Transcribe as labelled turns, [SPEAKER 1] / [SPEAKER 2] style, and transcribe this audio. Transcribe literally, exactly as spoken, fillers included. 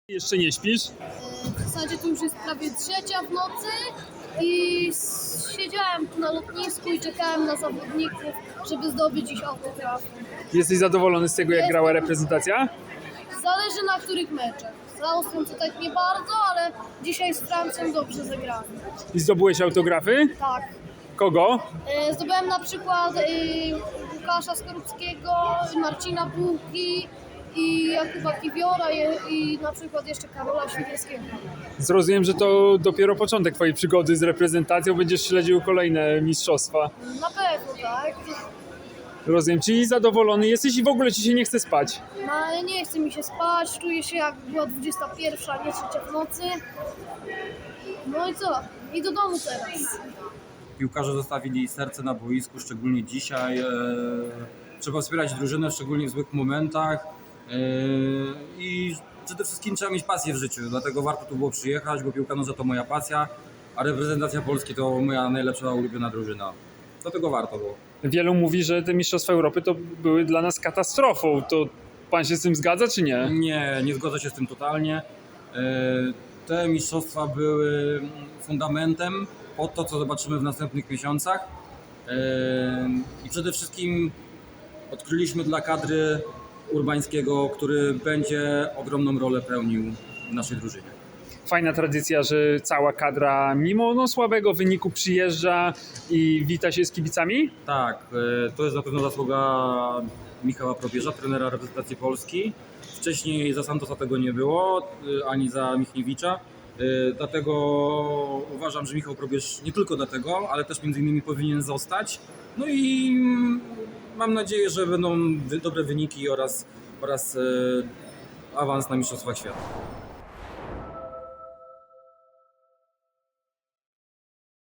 [SPEAKER 1] Jeszcze nie śpisz?
[SPEAKER 2] W zasadzie to już jest prawie trzecia w nocy i siedziałem tu na lotnisku i czekałem na zawodników, żeby zdobyć ich autografy.
[SPEAKER 1] Jesteś zadowolony z tego, jak grała reprezentacja?
[SPEAKER 2] Zależy na których meczach. Z Austrią to tak nie bardzo, ale dzisiaj z Francją dobrze zagrałem.
[SPEAKER 1] I zdobyłeś autografy?
[SPEAKER 2] Tak.
[SPEAKER 1] Kogo?
[SPEAKER 2] E, Zdobyłem na przykład e, Łukasza Skorupskiego, Marcina Bułki i Jakuba Kiwiora i, i na przykład jeszcze Karola Świderskiego.
[SPEAKER 1] Zrozumiem, że to dopiero początek twojej przygody z reprezentacją. Będziesz śledził kolejne mistrzostwa.
[SPEAKER 2] Na pewno, tak.
[SPEAKER 1] Rozumiem, czyli zadowolony jesteś i w ogóle ci się nie chce spać.
[SPEAKER 2] No ale nie chce mi się spać, czuję się jak była dwudziesta pierwsza, a nie trzecia w nocy. No i co? I do domu teraz.
[SPEAKER 3] Piłkarze zostawili serce na boisku, szczególnie dzisiaj. E, trzeba wspierać drużynę, szczególnie w złych momentach. E, I przede wszystkim trzeba mieć pasję w życiu, dlatego warto tu było przyjechać, bo piłka nożna to moja pasja, a reprezentacja Polski to moja najlepsza ulubiona drużyna. Dlatego warto było.
[SPEAKER 1] Wielu mówi, że te mistrzostwa Europy to były dla nas katastrofą. To pan się z tym zgadza, czy nie?
[SPEAKER 3] Nie, nie zgodzę się z tym totalnie. E, Te mistrzostwa były fundamentem pod to, co zobaczymy w następnych miesiącach. E, I przede wszystkim odkryliśmy dla kadry Urbańskiego, który będzie ogromną rolę pełnił w naszej drużynie.
[SPEAKER 1] Fajna tradycja, że cała kadra mimo no, słabego wyniku przyjeżdża i wita się z kibicami.
[SPEAKER 3] Tak, e, to jest na pewno zasługa Michała Probierza, trenera reprezentacji Polski. Wcześniej za Santosa tego nie było, e, ani za Michniewicza. E, Dlatego uważam, że Michał Probierz nie tylko dlatego, ale też między innymi powinien zostać. No i mm, mam nadzieję, że będą wy- dobre wyniki oraz, oraz e, awans na Mistrzostwach Świata.